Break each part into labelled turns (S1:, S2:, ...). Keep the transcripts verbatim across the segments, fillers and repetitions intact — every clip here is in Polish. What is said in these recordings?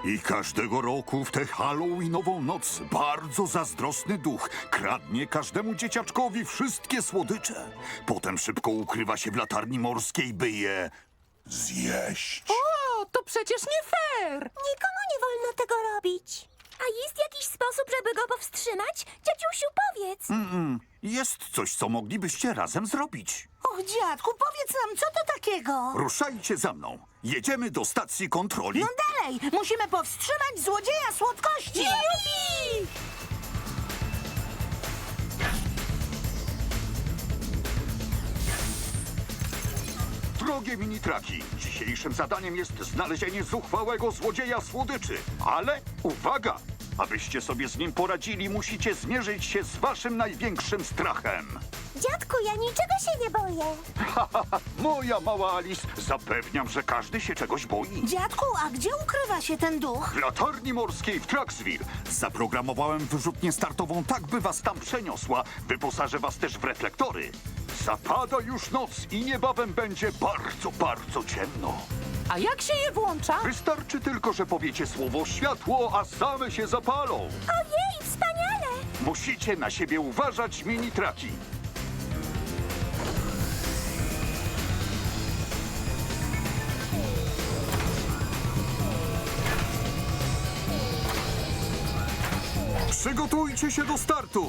S1: I każdego roku w tę Halloweenową noc bardzo zazdrosny duch kradnie każdemu dzieciaczkowi wszystkie słodycze. Potem szybko ukrywa się w latarni morskiej, by je zjeść.
S2: O, to przecież nie fair!
S3: Nikomu nie wolno tego robić. A jest jakiś sposób, żeby go powstrzymać? Ciociusiu, powiedz.
S1: Mm, jest coś, co moglibyście razem zrobić.
S4: Och, dziadku, powiedz nam, co to takiego?
S1: Ruszajcie za mną. Jedziemy do stacji kontroli.
S4: No dalej, musimy powstrzymać złodzieja słodkości!
S3: Jupi!
S1: Drogie mini-traki, dzisiejszym zadaniem jest znalezienie zuchwałego złodzieja słodyczy. Ale uwaga! Abyście sobie z nim poradzili, musicie zmierzyć się z waszym największym strachem.
S3: Dziadku, ja niczego się nie boję.
S1: Moja mała Alice, zapewniam, że każdy się czegoś boi.
S4: Dziadku, a gdzie ukrywa się ten duch?
S1: W latarni morskiej w Traxville zaprogramowałem wyrzutnię startową tak, by was tam przeniosła. Wyposażę was też w reflektory. Zapada już noc i niebawem będzie bardzo, bardzo ciemno.
S2: A jak się je włącza?
S1: Wystarczy tylko, że powiecie słowo światło, a same się zapalą.
S3: Ojej, wspaniale!
S1: Musicie na siebie uważać, mini-traki. Przygotujcie się do startu.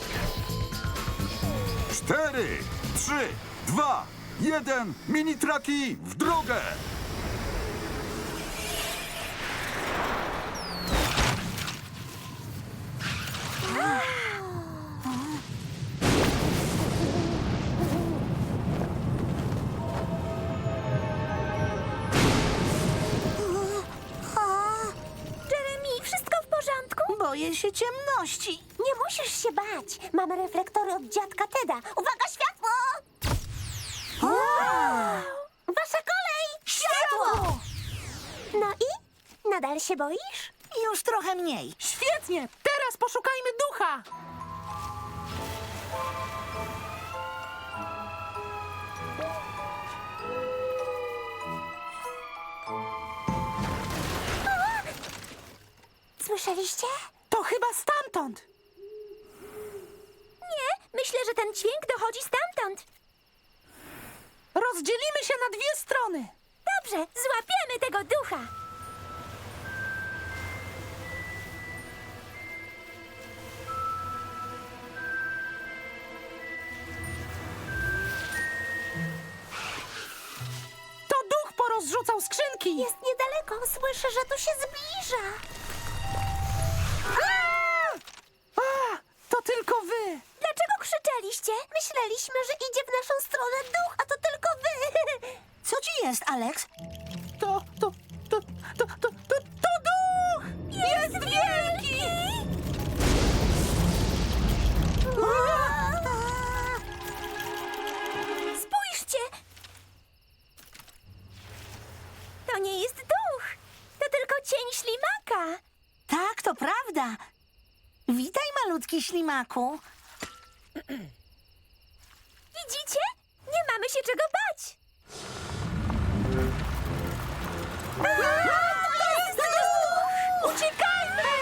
S1: Cztery, trzy, dwa, jeden. Mini-traki w drogę.
S3: Jeremy, wszystko w porządku?
S4: Boję się ciemności.
S3: Nie musisz się bać. Mamy reflektory od dziadka Teda. Uwaga, światło! Wasza kolej!
S4: Światło!
S3: No i? Nadal się boisz?
S4: Już trochę mniej.
S2: Świetnie! Teraz poszukajmy ducha!
S3: Słyszeliście?
S2: To chyba stamtąd!
S3: Nie, myślę, że ten dźwięk dochodzi stamtąd.
S2: Rozdzielimy się na dwie strony!
S3: Dobrze, złapiemy tego ducha.
S2: To duch porozrzucał skrzynki!
S3: Jest niedaleko, słyszę, że tu się zbliża.
S2: A, to tylko wy!
S3: Dlaczego krzyczeliście? Myśleliśmy, że idzie w naszą stronę duch, a to tylko wy.
S4: Co ci jest, Alex?
S2: To, to, to, to, to, to, to duch!
S3: Jest wielki! Spójrzcie! To nie jest duch. To tylko cień ślimaka.
S4: Tak, to prawda. Witaj, malutki ślimaku.
S3: Widzicie? Nie mamy się czego bać. To jest duch! Uciekajmy!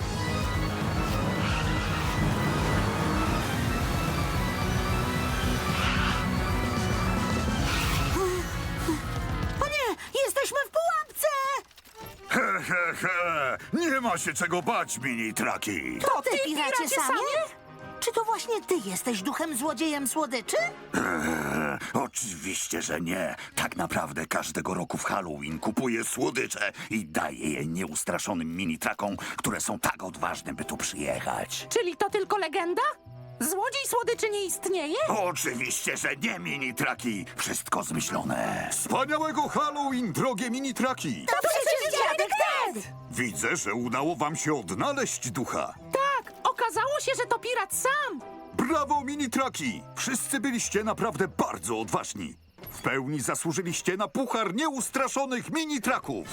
S4: O nie, jesteśmy w pułapce!
S1: He, he, he. Nie ma się czego bać, mini-traki.
S4: To ty,
S2: ty,
S4: piracie,
S2: piracie
S4: sami?
S2: sami?
S4: Czy to właśnie ty jesteś duchem złodziejem słodyczy?
S1: Eee, oczywiście, że nie. Tak naprawdę każdego roku w Halloween kupuję słodycze i daję je nieustraszonym mini-trakom, które są tak odważne, by tu przyjechać.
S2: Czyli to tylko legenda? Złodziej słodyczy nie istnieje?
S1: Oczywiście, że nie, mini-traki. Wszystko zmyślone. Wspaniałego Halloween, drogie mini-traki.
S4: To przecież dziadek Ted!
S1: Widzę, że udało wam się odnaleźć ducha.
S2: Tak, okazało się, że to pirat sam!
S1: Brawo, mini-traki! Wszyscy byliście naprawdę bardzo odważni. W pełni zasłużyliście na puchar nieustraszonych mini-traków.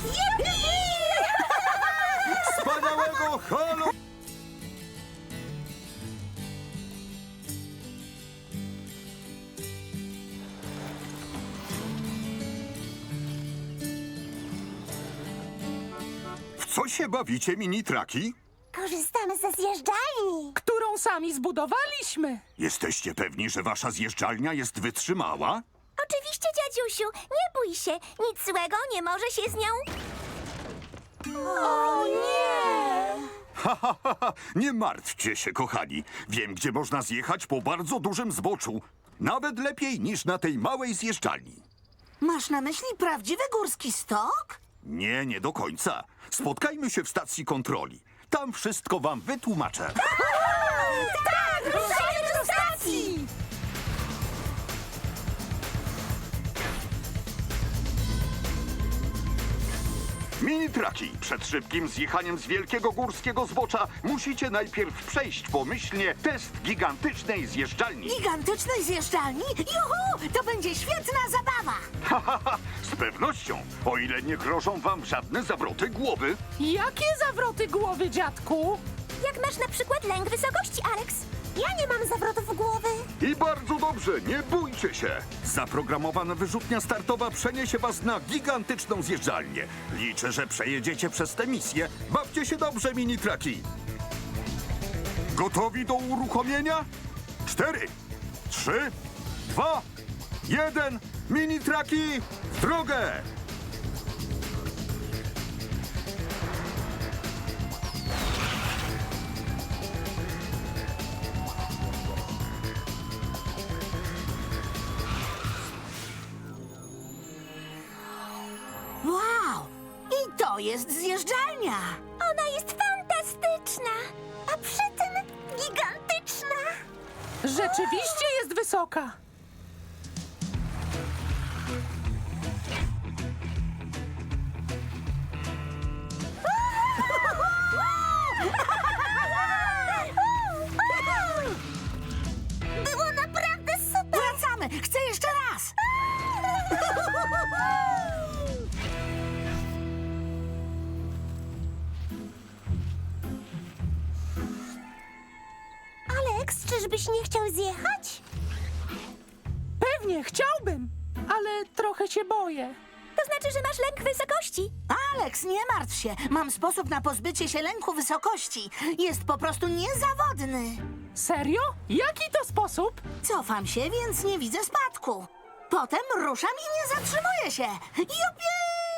S1: Wspaniałego Halloween! co się bawicie, mini-traki?
S3: Korzystamy ze zjeżdżalni.
S2: Którą sami zbudowaliśmy.
S1: Jesteście pewni, że wasza zjeżdżalnia jest wytrzymała?
S3: Oczywiście, dziadziusiu, nie bój się. Nic złego nie może się z nią... O nie!
S1: Ha, ha, ha, ha. Nie martwcie się, kochani. Wiem, gdzie można zjechać po bardzo dużym zboczu. Nawet lepiej niż na tej małej zjeżdżalni.
S4: Masz na myśli prawdziwy górski stok?
S1: Nie, nie do końca. Spotkajmy się w stacji kontroli. Tam wszystko wam wytłumaczę.
S3: Tak! Ruszajmy do stacji!
S1: Mini-traki, przed szybkim zjechaniem z wielkiego górskiego zbocza musicie najpierw przejść pomyślnie test gigantycznej zjeżdżalni.
S4: Gigantycznej zjeżdżalni? Juhu! To będzie świetna zabawa!
S1: Ha, ha, ha. Z pewnością, o ile nie grożą wam żadne zawroty głowy.
S2: Jakie zawroty głowy, dziadku?
S3: Jak masz na przykład lęk wysokości, Alex? Ja nie mam zawrotów głowy.
S1: I bardzo dobrze, nie bójcie się. Zaprogramowana wyrzutnia startowa przeniesie was na gigantyczną zjeżdżalnię. Liczę, że przejedziecie przez tę misję. Bawcie się dobrze, mini-traki. Gotowi do uruchomienia? Cztery, trzy, dwa, jeden. Mini-traki, w drogę!
S4: Wow! I to jest zjeżdżalnia!
S3: Ona jest fantastyczna, a przy tym gigantyczna.
S2: Rzeczywiście jest wysoka.
S3: Było naprawdę super.
S4: Wracamy! Chcę jeszcze raz!
S3: Alex, czyżbyś nie chciał zjechać?
S2: Pewnie chciałbym, ale trochę się boję.
S3: To znaczy, że masz lęk wysokości.
S4: Alex, nie martw się. Mam sposób na pozbycie się lęku wysokości. Jest po prostu niezawodny.
S2: Serio? Jaki to sposób?
S4: Cofam się, więc nie widzę spadku. Potem ruszam i nie zatrzymuję się. Jupi!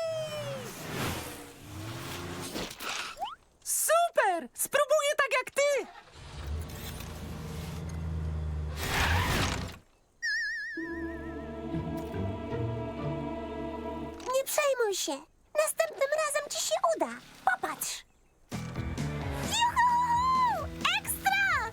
S2: Super! Spróbuję tak jak ty!
S3: Nie przejmuj się. Następnym razem ci się uda. Popatrz. Juhu! Ekstra!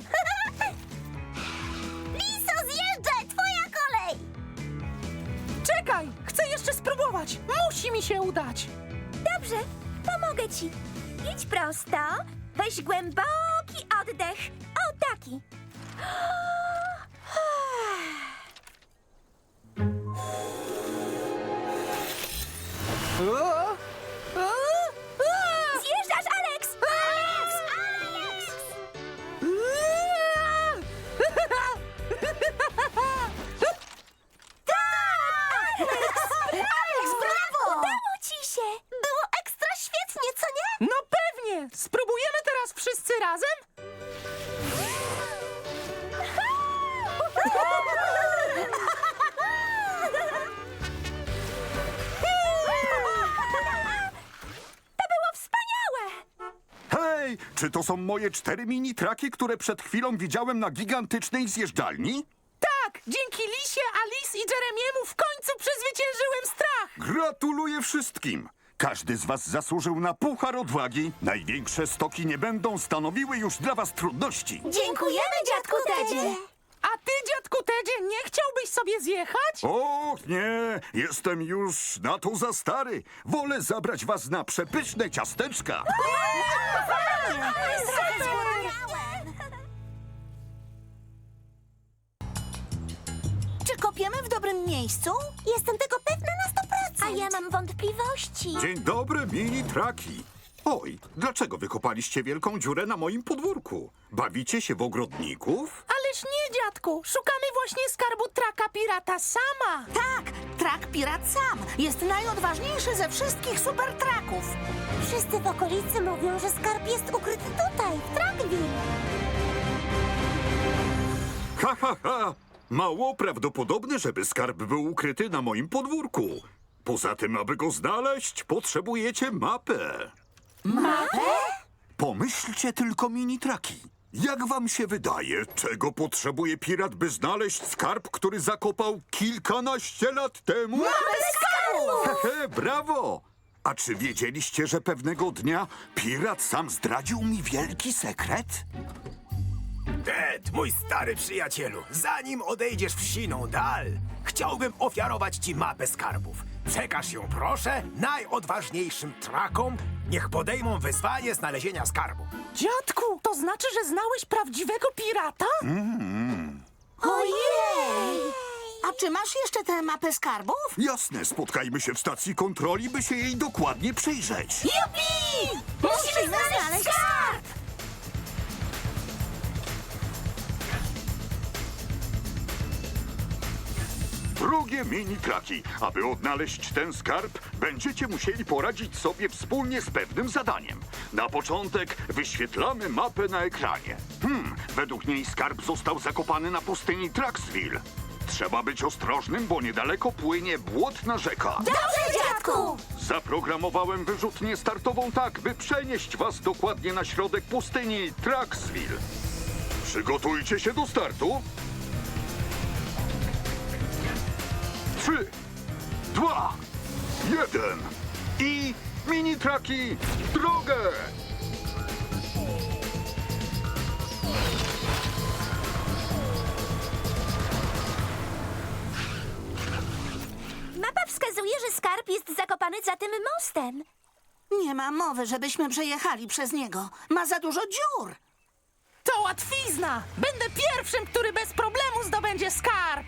S3: Liso, zjeżdżaj! Twoja kolej!
S2: Czekaj! Chcę jeszcze spróbować! Musi mi się udać!
S3: Dobrze, pomogę ci. Idź prosto. Weź głęboki oddech. O, taki.
S2: O! O! O!
S3: Zjeżdżasz, Alex! Alex! Alex!
S4: Alex, brawo!
S3: Udało ci się! Było ekstra świetnie, co nie?
S2: No pewnie! Spróbujemy teraz wszyscy razem?
S3: To było wspaniałe!
S1: Hej, czy to są moje cztery mini-traki, które przed chwilą widziałem na gigantycznej zjeżdżalni?
S2: Tak! Dzięki Lisie, Alice i Jeremiemu w końcu przezwyciężyłem strach!
S1: Gratuluję wszystkim! Każdy z was zasłużył na puchar odwagi. Największe stoki nie będą stanowiły już dla was trudności.
S3: Dziękujemy, dziadku Tedzie!
S2: A ty, dziadku Tedzie, nie chciałbyś sobie zjechać?
S1: Och nie, jestem już na to za stary. Wolę zabrać was na przepyszne ciasteczka.
S4: Czy kopiemy w dobrym miejscu?
S3: Jestem tego pewna na sto procent. A ja mam wątpliwości.
S1: Dzień dobry, mini-traki. Oj, dlaczego wykopaliście wielką dziurę na moim podwórku? Bawicie się w ogrodników?
S2: Ależ nie, dziadku! Szukamy właśnie skarbu traka pirata sama!
S4: Tak, trak Pirat Sam jest najodważniejszy ze wszystkich super traków.
S3: Wszyscy w okolicy mówią, że skarb jest ukryty tutaj, w Trackville.
S1: Ha, ha, ha! Mało prawdopodobne, żeby skarb był ukryty na moim podwórku. Poza tym, aby go znaleźć, potrzebujecie mapę.
S4: Mapę?
S1: Pomyślcie tylko, mini-traki. Jak wam się wydaje, czego potrzebuje pirat, by znaleźć skarb, który zakopał kilkanaście lat temu?
S4: Mapę skarbów!
S1: Hehe, brawo! A czy wiedzieliście, że pewnego dnia pirat sam zdradził mi wielki sekret?
S5: Ted, mój stary przyjacielu, zanim odejdziesz w siną dal, chciałbym ofiarować ci mapę skarbów. Przekaż ją, proszę, najodważniejszym trakom, niech podejmą wyzwanie znalezienia skarbu.
S2: Dziadku, to znaczy, że znałeś prawdziwego pirata?
S4: Ojej! A czy masz jeszcze tę mapę skarbów?
S1: Jasne, spotkajmy się w stacji kontroli, by się jej dokładnie przyjrzeć.
S4: Jupi! Musimy znaleźć skarb!
S1: Drogie mini-traki, aby odnaleźć ten skarb, będziecie musieli poradzić sobie wspólnie z pewnym zadaniem. Na początek wyświetlamy mapę na ekranie. Hmm, według niej skarb został zakopany na pustyni Tracksville. Trzeba być ostrożnym, bo niedaleko płynie błotna rzeka.
S3: Dobrze, dziadku!
S1: Zaprogramowałem wyrzutnię startową tak, by przenieść was dokładnie na środek pustyni Tracksville. Przygotujcie się do startu. Trzy, dwa, jeden i mini-traki w drogę!
S3: Mapa wskazuje, że skarb jest zakopany za tym mostem.
S4: Nie ma mowy, żebyśmy przejechali przez niego. Ma za dużo dziur.
S2: To łatwizna! Będę pierwszym, który bez problemu zdobędzie skarb!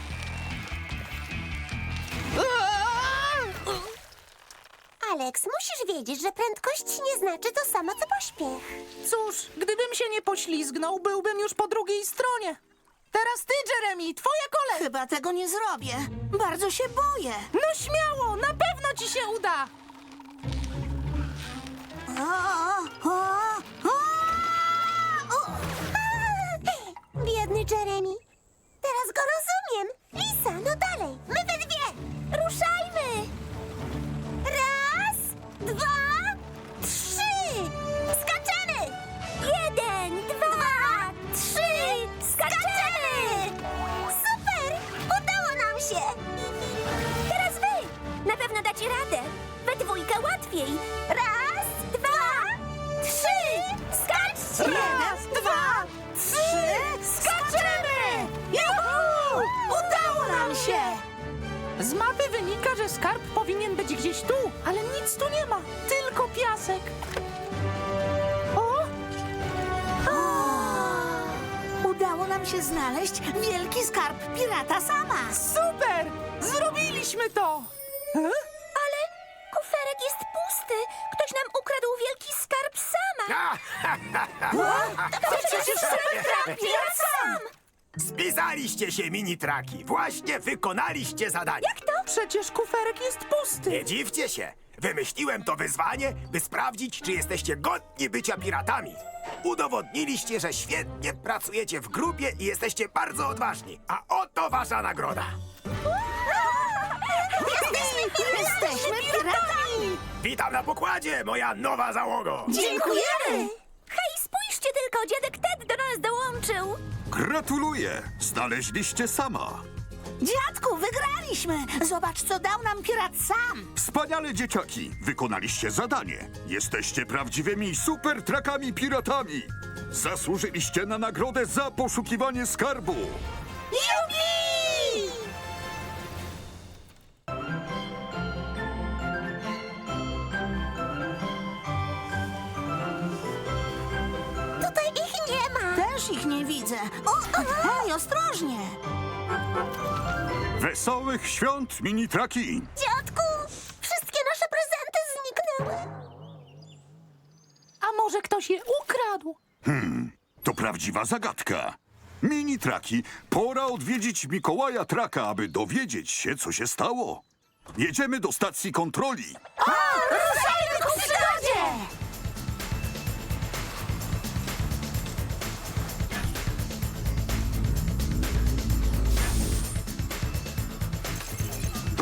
S3: Alex, musisz wiedzieć, że prędkość nie znaczy to samo, co pośpiech.
S2: Cóż, gdybym się nie poślizgnął, byłbym już po drugiej stronie. Teraz ty, Jeremy, twoja kolej!
S4: Chyba tego nie zrobię. Bardzo się boję.
S2: No śmiało, na pewno ci się uda!
S4: O, o, o, o.
S3: Biedny Jeremy. Teraz go rozumiem. Lisa, no dalej. My we dwie. Ruszajmy. Raz, dwa, trzy. Skaczemy. Jeden, dwa, trzy. Skaczemy. Super. Udało nam się. Teraz wy. Na pewno dacie radę. We dwójkę łatwiej. Raz, dwa, trzy. Skaczcie.
S4: Raz, dwa, trzy, skaczemy! Juhu! Udało nam się!
S2: Z mapy wynika, że skarb powinien być gdzieś tu, ale nic tu nie ma, tylko piasek. O!
S4: Udało nam się znaleźć wielki skarb pirata sama.
S2: Super! Zrobiliśmy to! E?
S3: Ale kuferek jest pusty. Ktoś nam ukradł wielki skarb sama. To przecież super pirat sam.
S5: Spisaliście się, mini-traki. Właśnie wykonaliście zadanie.
S3: Jak to?
S2: Przecież kuferek jest pusty.
S5: Nie dziwcie się. Wymyśliłem to wyzwanie, by sprawdzić, czy jesteście godni bycia piratami. Udowodniliście, że świetnie pracujecie w grupie i jesteście bardzo odważni. A oto wasza nagroda.
S3: Jesteśmy
S4: Jesteśmy piratami!
S5: Witam na pokładzie, moja nowa załogo.
S4: Dziękujemy!
S3: Hej, spójrzcie tylko, dziadek Ted do nas dołączył.
S1: Gratuluję! Znaleźliście sama.
S4: Dziadku, wygraliśmy! Zobacz, co dał nam pirat sam!
S1: Wspaniale, dzieciaki! Wykonaliście zadanie. Jesteście prawdziwymi super trakami piratami. Zasłużyliście na nagrodę za poszukiwanie skarbu.
S4: Jupi!
S3: Tutaj ich nie ma.
S4: Też ich nie widzę. O, hej, ostrożnie!
S1: Wesołych świąt, mini-traki!
S3: Dziadku, wszystkie nasze prezenty zniknęły.
S2: A może ktoś je ukradł?
S1: To prawdziwa zagadka. Mini-traki, pora odwiedzić Mikołaja Traka, aby dowiedzieć się, co się stało. Jedziemy do stacji kontroli.
S3: Ruszajmy ku przygodzie!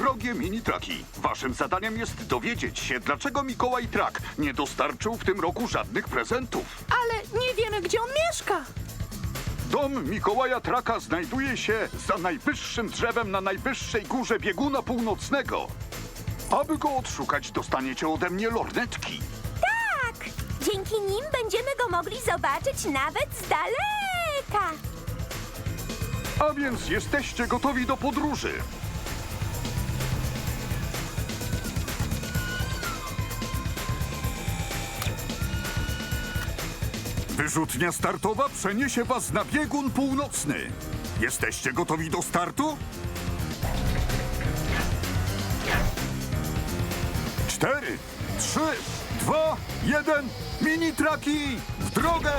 S1: Drogie mini-traki, waszym zadaniem jest dowiedzieć się, dlaczego Mikołaj Trak nie dostarczył w tym roku żadnych prezentów.
S2: Ale nie wiemy, gdzie on mieszka.
S1: Dom Mikołaja Traka znajduje się za najwyższym drzewem na najwyższej górze bieguna północnego. Aby go odszukać, dostaniecie ode mnie lornetki.
S3: Tak! Dzięki nim będziemy go mogli zobaczyć nawet z daleka.
S1: A więc jesteście gotowi do podróży. Wyrzutnia startowa przeniesie was na biegun północny. Jesteście gotowi do startu? Cztery, trzy, dwa, jeden. Mini-traki w drogę!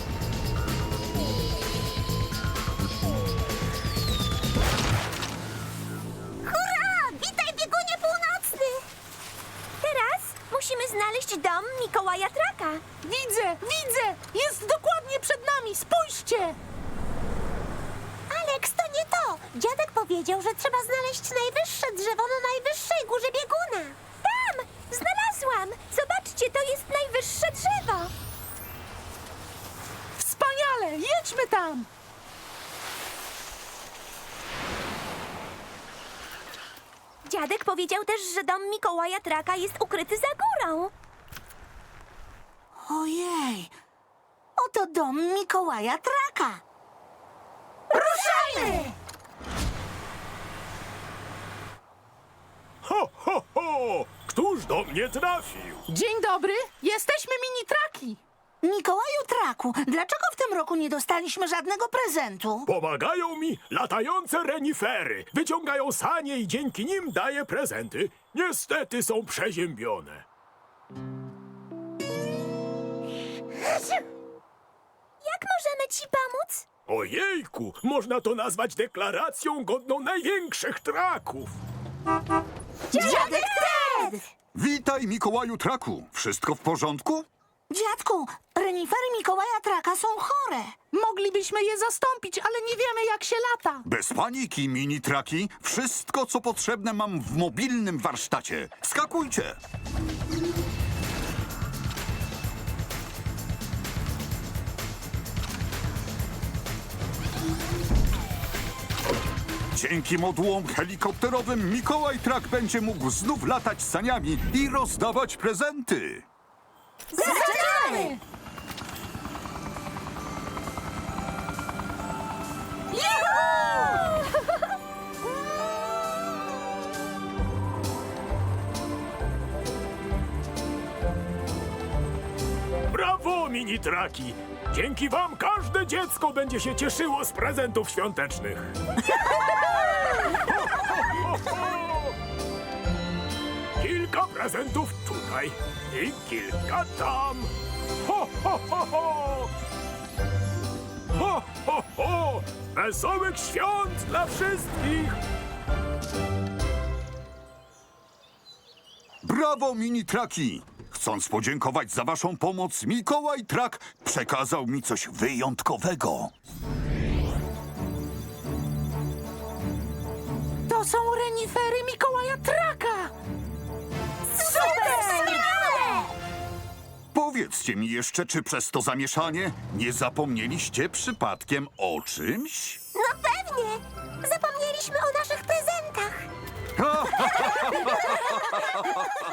S3: Hurra! Witaj, biegunie północny! Teraz musimy znaleźć dom Mikołaja Traka.
S2: Widzę, widzę! Jest dokładnie przed nami, spójrzcie!
S3: Alex, to nie to! Dziadek powiedział, że trzeba znaleźć najwyższe drzewo na najwyższej górze bieguna. Tam! Znalazłam! Zobaczcie, to jest najwyższe drzewo!
S2: Wspaniale! Jedźmy tam!
S3: Dziadek powiedział też, że dom Mikołaja Traka jest ukryty za górą.
S4: Ojej, oto dom Mikołaja Traka.
S2: Ruszajmy!
S6: Ho, ho, ho! Któż do mnie trafił?
S2: Dzień dobry, jesteśmy mini-traki.
S4: Mikołaju Traku, dlaczego w tym roku nie dostaliśmy żadnego prezentu?
S6: Pomagają mi latające renifery. Wyciągają sanie i dzięki nim daję prezenty. Niestety są przeziębione.
S3: Jak możemy ci pomóc?
S6: Ojejku, można to nazwać deklaracją godną największych traków.
S4: Dziadek Ted!
S1: Witaj, Mikołaju Traku. Wszystko w porządku?
S4: Dziadku, renifery Mikołaja Traka są chore.
S2: Moglibyśmy je zastąpić, ale nie wiemy, jak się lata.
S1: Bez paniki, mini-traki. Wszystko, co potrzebne, mam w mobilnym warsztacie. Skakujcie! Dzięki modułom helikopterowym Mikołaj Trak będzie mógł znów latać saniami i rozdawać prezenty.
S4: Zaczynamy!
S6: Brawo, mini-traki! Dzięki wam każde dziecko będzie się cieszyło z prezentów świątecznych. Kilka prezentów tutaj i kilka tam. Ho, ho, ho, ho! Ho, ho, ho! Wesołych świąt dla wszystkich!
S1: Brawo, mini-traki! Chcąc podziękować za waszą pomoc, Mikołaj Trak przekazał mi coś wyjątkowego.
S2: To są renifery Mikołaja Traka!
S3: Super! Wspaniałe!
S1: Powiedzcie mi jeszcze, czy przez to zamieszanie nie zapomnieliście przypadkiem o czymś?
S3: No pewnie! Zapomnieliśmy o naszych prezentach.